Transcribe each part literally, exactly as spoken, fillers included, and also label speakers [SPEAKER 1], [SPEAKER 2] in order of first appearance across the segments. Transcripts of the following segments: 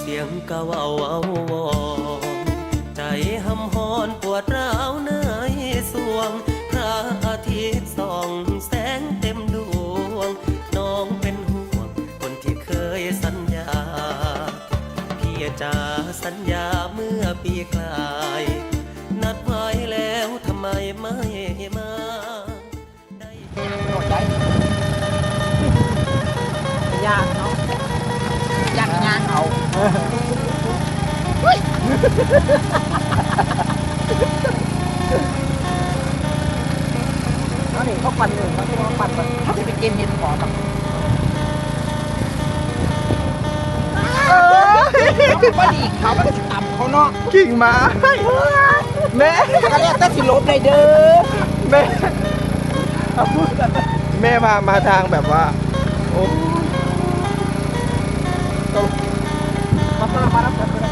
[SPEAKER 1] เสียงกะว่าเอาวอนใจหำหอนปวดร้าวในสวงพระอาทิตย์ส่องแสงเต็มดวงน้องเป็นห่วงคนที่เคยสัญญาพี่จะสัญญาเมื่อปีกลายนัดไว้แล้วทำไมไม่มาได้
[SPEAKER 2] ยากเนาะยากยากเอาเอาดิเขาปั่นหนึ่งเขาเขาปั่นแบบเขาจะไปเกมเห็นขอแบบเออเขาดีเขาไม่ได้ต่ำเขาเนาะ
[SPEAKER 3] กิ่งไม้แม่
[SPEAKER 2] ก็เรียกแต่สิลบเลยเด้อ
[SPEAKER 3] แม่แม่มามาทางแบบว่าโอ้
[SPEAKER 2] มามามารับกันเลย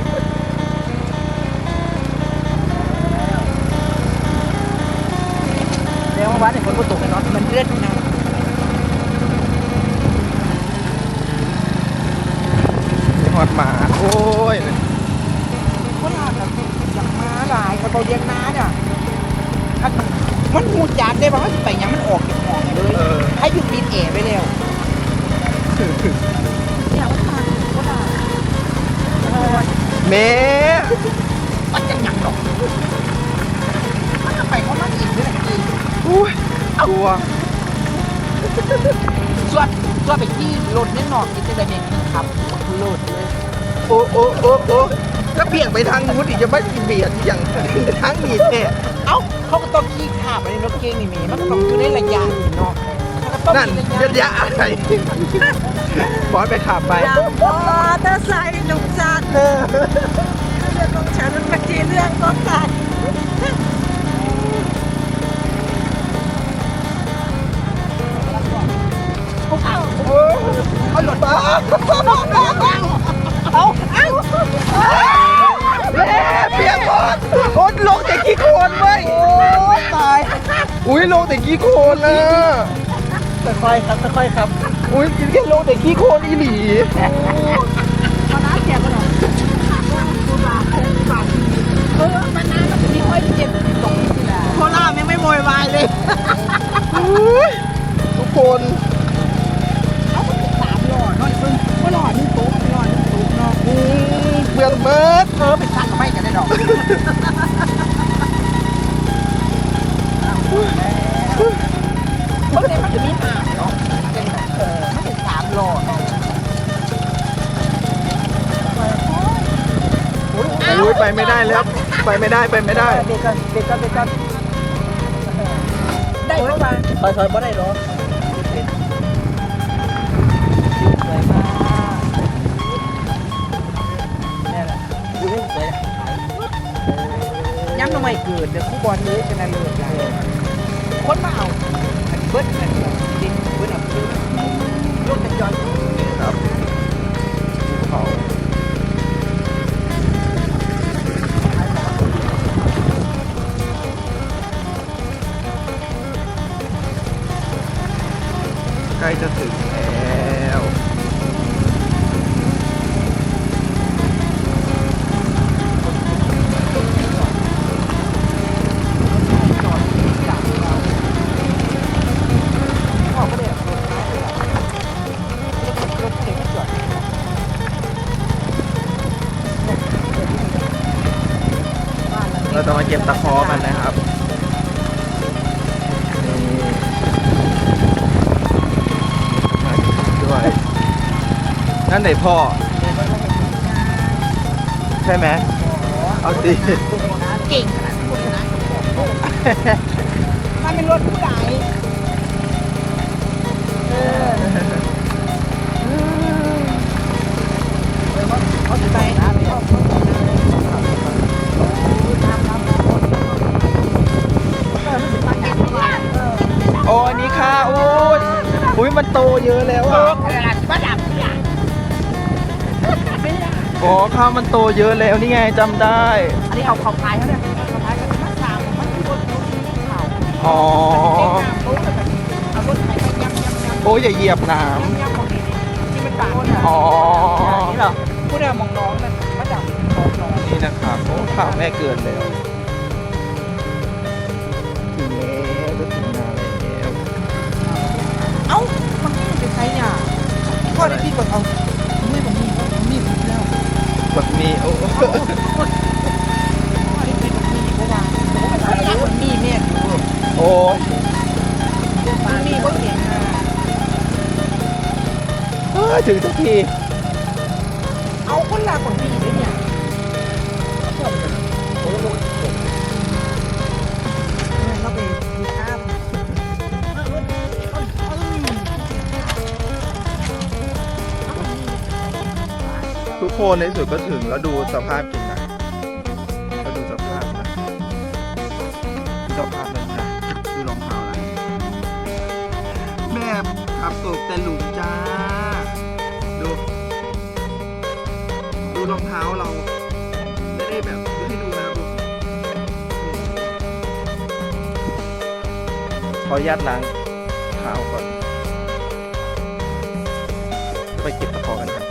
[SPEAKER 2] เดี๋ยววันนี้ฝนก็ตกเนาะมันเลื่อนนะ
[SPEAKER 3] หอดหมาโอ้ย
[SPEAKER 2] คนละแบบอย่างม้าลายกระเป๋าเลี้ยงม้าเนี่ยมันหูจัดได้ป่ะว่าไปยังมันออกจากห้องเลยให้หยุดปิดแอร์ไปแล้วเนี่ยว่าทางก็ได้
[SPEAKER 3] แม่
[SPEAKER 2] มันจะหยักหรอกมันจะไปเขามาอีกด้วยนะอีก
[SPEAKER 3] อุ้ยกลัว
[SPEAKER 2] ส่วนส่วนไปที่รถนี่หนอกที่จะได้เองครับรถเลย
[SPEAKER 3] โอ้โอ้โอ้โอ้ก็เบี่ยงไปทางนู้นอีกจะไม่เบียดอย่างทางนี้แท้
[SPEAKER 2] เอ้าเขาก็ต้องขี่ขาไปในรถเก๋งนี่มีมันก็ต้องอยู่ในระยะเนาะ
[SPEAKER 3] นั่นระยะอะไรบอสไปขับไป
[SPEAKER 2] มอเตอร์ไซค์หนุ่มจัดเรื่องของฉันมันเป็นเรื่องของกันเอาเอาหลุดมาเอาเอา
[SPEAKER 3] แม่เปียกหมดโอ้ลงแต่ขี้โคลนเว้ย
[SPEAKER 2] โอ้ตาย
[SPEAKER 3] อุ้ยลงแต่ขี้โคลนนะ
[SPEAKER 2] ค่อยๆครับค่อยๆครับ
[SPEAKER 3] อุ้ยกินแค่ลงแต่ขี้โคลนอีหลี
[SPEAKER 2] มาน้าแจกกันหน่อยเออมันน้ามันมีค่อยเจ็บตรงนี้แหละโคล่าไม่ไม่โวยวายเลย
[SPEAKER 3] ทุกคน
[SPEAKER 2] เอาไปสามหลอดน้อยซึ่งก็หลอดนึงตุ๊กหลอดนึงตุ๊กเนาะ
[SPEAKER 3] เบื่อเบิด
[SPEAKER 2] เออไปสั่งไม่กันได้ดอกเมื่อไหร่มันจะมีหาเนาะเป็นเออมันเป็นสามหลอด
[SPEAKER 3] โอ้ยไปไม่ได้แล้วไปไม่ได้ไปไม่ได้
[SPEAKER 2] เด็กกันเด็กกันเด็กกันได้เข้ามาถอยถอยบ่ได้หรอสวยมากนี่แหละดูให้สวยย้ำทำไมเกิดเดี๋ยวคู่บอลนี้ชนะเลิศเลยคนมาเอาเบิร์ดกันจริงเบิร์ดเอาคือลูกจะย้อน
[SPEAKER 3] ครับเขาใกล้จะถึงแล้วเราจะมาเก็บตะขอกันนะครับด้วยนั่นไหนพ่อใช่ไหมเอาสิ
[SPEAKER 2] เก่งขนาดนี้นะมันเป็นรถผู้ใหญ่เขาจะไปนะ
[SPEAKER 3] โอ้อันนี้ค่ะโอ้ยอุ้ยมันโตเยอะแล้วอ่ะอ๋อข้าวมันโตเยอะแล้วนี่ไงจำได้
[SPEAKER 2] อันนี้เอาเขาพายเขาเนี่ยเขาพายกันมาสามมันคือบนรถที่เขา
[SPEAKER 3] อ๋อ
[SPEAKER 2] เอารถไถไปยับยับยับ
[SPEAKER 3] โอ้ยอย่าเหยียบน้
[SPEAKER 2] ำยับยับของนี้นี่มันบางคนอ่ะ
[SPEAKER 3] อ๋อ
[SPEAKER 2] นี่เหรอผู้ใดมองน้องนั่นมาดับน้องน้อง
[SPEAKER 3] นี่นะครับโอ้ข่าวแม่เกินแล้วถึงแล้วจะถึงนาแล้ว
[SPEAKER 2] เอ้ามันไม่เป็นใครเนี่ยพ่อได้พี่บอกเอาไม่ผมมีผมมีแล้ว
[SPEAKER 3] แบบนี้โอ้
[SPEAKER 2] พ่อได้พี่ผมมีเพราะว่าผมมีเนี่ย
[SPEAKER 3] โอ้ย
[SPEAKER 2] มันมีก็เห็นนะ
[SPEAKER 3] เอ้ยถึงสักที
[SPEAKER 2] เอาคนละคนมีเลยเนี่ยเราไปดูภาพ
[SPEAKER 3] ทุกคนในที่สุดก็ถึงแล้วดูสภาพกินนะแล้วดูสภาพนะดูสภาพเลยนะดูรองเท้านะแม่ขับตกแต่หลุมจ้า ดู ดูรองเท้าเรา ไม่ได้แบบให้ดูนะครับดูขออนุญาตล้างเท้าก่อน ไปเก็บตะขอกันครับ